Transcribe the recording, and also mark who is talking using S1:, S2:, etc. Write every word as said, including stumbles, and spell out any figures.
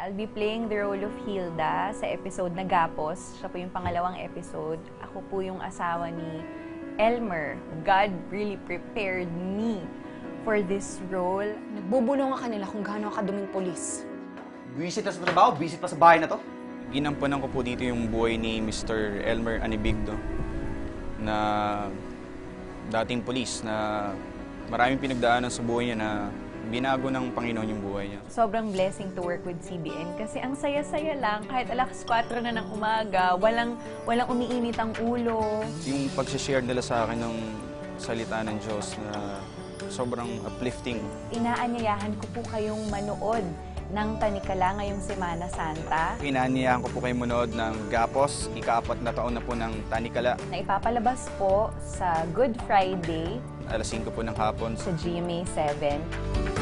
S1: I'll be playing the role of Hilda sa episode na Gapos. Siya po yung pangalawang episode. Ako po yung asawa ni Elmer. God really prepared me for this role.
S2: Nagbubulungan ka nila kung gaano ka duming polis.
S3: Visit na sa trabaho, visit pa sa bahay na to.
S4: Ginampanan ko po dito yung buhay ni Mister Elmer Anibigdo na dating polis na maraming pinagdaanan sa buhay niya na binago ng Panginoon yung buhay niya.
S1: Sobrang blessing to work with C B N kasi ang saya-saya lang. Kahit alas kwatro na ng umaga, walang, walang umiinit ang ulo.
S4: Yung pag-share nila sa akin ng salita ng Diyos na sobrang uplifting.
S1: Inaanyayahan ko po kayong manood ng Tanikala ngayong Semana Santa.
S4: Inaanyayahan ko po kayong manood ng Gapos, ika-apat na taon na po ng Tanikala.
S1: Na ipapalabas po sa Good Friday
S4: alas singko po ng hapon
S1: sa G M A seven.